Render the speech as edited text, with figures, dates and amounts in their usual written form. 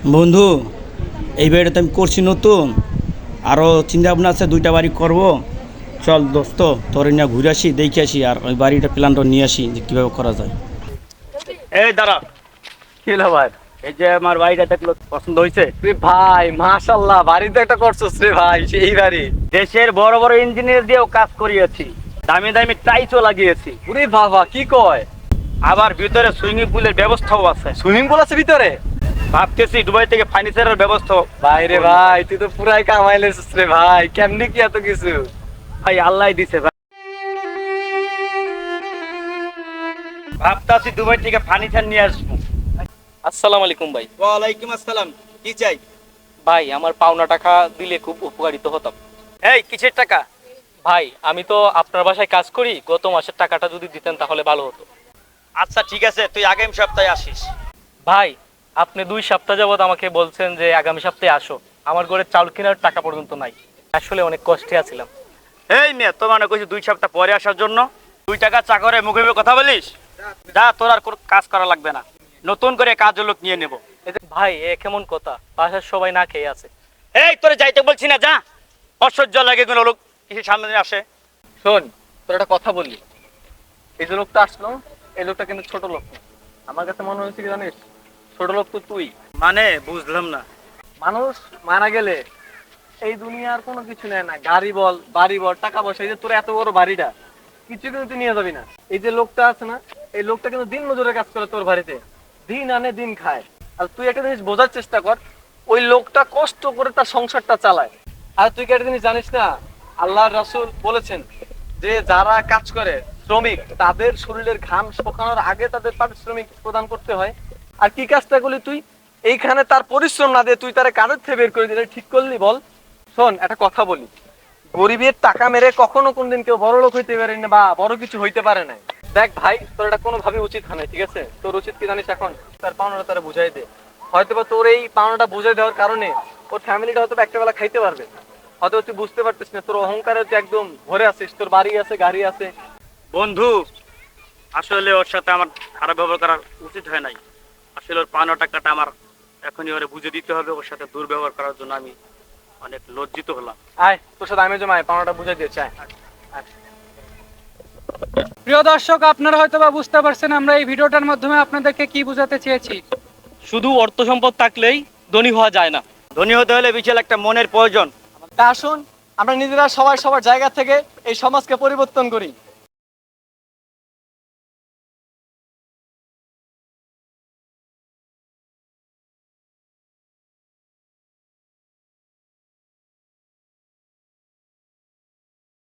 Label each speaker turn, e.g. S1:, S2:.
S1: বন্ধু, এই বাড়িটা তো আমি করছি নতুন, আরও চিন্তা ভাবনা আছে, দুইটা বাড়ি করব। চল দোস্ত, তোর নিয়ে ঘুরে আসি, দেখে আসি, আর ওই বাড়িটা প্ল্যানটা নিয়ে আসি যে কীভাবে করা যায়। এই দাঁড়া,
S2: কি হলো ভাই?
S1: এই যে আমার বাড়িটা দেখলো, পছন্দ হয়েছে?
S2: রে ভাই মাশাআল্লাহ, বাড়ি তো একটা করছস রে ভাই, সেই বাড়ি।
S1: দেশের বড় বড় ইঞ্জিনিয়ার দিয়েও কাজ করিয়েছি, দামি দামি টাইলসও লাগিয়েছি,
S2: ওরে বাবা, কি কয়?
S1: আবার ভিতরে সুইমিং পুলের ব্যবস্থাও আছে।
S2: সুইমিং পুল আছে ভিতরে?
S1: ভাবতেছি দুবাই থেকে ফার্নিচারের ব্যবস্থা।
S2: ভাই রে ভাই, তুই তো পুরাই কামাইলেছিস রে ভাই, কেমনি কি এত কিছু?
S1: ভাই আল্লাহ দিছে ভাই, ভাবতেছি দুবাই থেকে ফার্নিচার নিয়ে আসবো।
S3: আসসালামু আলাইকুম ভাই।
S1: ওয়ালাইকুম আসসালাম, কি চাই?
S3: ভাই আমার পাওনা টাকা দিলে খুব উপকারিত হতাম।
S1: এই কিসের টাকা?
S3: ভাই আমি তো আপনার বাসায় কাজ করি, গত মাসের টাকাটা যদি দিতেন তাহলে ভালো হতো।
S1: আচ্ছা ঠিক আছে, তুই আগামী সপ্তাহে আসিস।
S3: ভাই আপনি 2 সপ্তাহ যাবত আমাকে বলছেন যে আগামী সপ্তাহে আসো, আমার ঘরে চাউল কেনার টাকা পর্যন্ত নাই। আসলে অনেক কষ্টে আছিলাম।
S1: এই মেয়ে, তো মানে কইছি 2 সপ্তাহ পরে আসার জন্য, 2 টাকা চাকরে মুখে মুখে কথা বলিস? যা, তোর আর কোনো কাজ করা লাগবে না, নতুন করে কাজ লোক নিয়ে নেব।
S3: ভাই এ কেমন কথা, বাসার সবাই না খেয়ে আছে।
S1: এই তোরে যাইতে বলছি না, যা। অসহ্য লাগে কোনো লোক কিসের সামনে দিয়ে আসে।
S2: শোন, তোর একটা কথা বলি। এই যে লোকটা আসলো, এই লোকটা কিন্তু ছোট লোক না। আমার কাছে মনে হয়েছে কি জানিস, ছোট লোক তো তুই।
S1: মানে বুঝলাম না।
S2: মানুষ মারা গেলে এই দুনিয়ার কোনো কিছু নেয় না, গাড়ি বল, বাড়ি বল, টাকা পয়সা। এই যে তোর এত বড় বাড়িটা, কিছু কিন্তু তুই নিয়ে যাবি না। এই যে লোকটা আছে না, এই লোকটা কিন্তু দিন মজুরের কাজ করে তোর বাড়িতে, দিন আনে দিন খায়। আর তুই একটা জিনিস বোঝার চেষ্টা কর, ওই লোকটা কষ্ট করে তার সংসারটা চালায়। আর তুই কি একটা জিনিস জানিস না, আল্লাহর রাসূল বলেছেন যে যারা কাজ করে, শ্রমিক, তাদের শরীরের ঘাম শুকানোর আগে তাদের পারিশ্রমিক প্রদান করতে হয়। আর কি কাজটা করলি তুই? এইখানে তার পরিশ্রম না দিয়ে তুই তার কাজের থেকে বের করে দিলে ঠিক করলি বল? শোন, একটা কথা বলি, গরিবের টাকা মেরে কখনো কোনদিন কেউ বড় লোক হইতে পারে না বা বড় কিছু হইতে পারে না। দেখ ভাই, তোর এটা কোনোভাবে উচিত হয় না, ঠিক আছে? তোর উচিত কি জানিস, এখন তার পাওনাটা তারা বুঝাই দে। হয়তোবা তোর এই পাওনাটা বুঝাই দেওয়ার কারণে ওর ফ্যামিলিটা হয়তো একটা বেলা খাইতে পারবে। হয়তো তুই বুঝতে পারতিস না, তোর অহংকারে তুই একদম ভরে আছিস, তোর বাড়ি আছে, গাড়ি আছে।
S1: বন্ধু, আসলে ওর সাথে আমার খারাপ ব্যবহার করা উচিত হয় নাই। আসলে ওর পাওনা টাকাটা আমার এখনই ওরে বুঝে দিতে হবে। ওর সাথে দুর্ব্যবহার করার জন্য আমি অনেক লজ্জিত হলাম।
S2: আয়, তোর সাথে আমি জমায় পাওনাটা বুঝাই দিয়েছি, আয়। আয়।
S4: প্রিয় দর্শক, আপনারা হয়তোবা বুঝতে পারছেন আমরা এই ভিডিওটার মাধ্যমে আপনাদেরকে কি বোঝাতে চেয়েছি।
S3: শুধু অর্থ সম্পদ থাকলেই ধনী হওয়া যায় না।
S1: ধনী হতে হলে বিশাল একটা মনের প্রয়োজন।
S2: তা আসুন আমরা নিজেরা সবাই সবার জায়গা থেকে এই সমাজকে পরিবর্তন করি।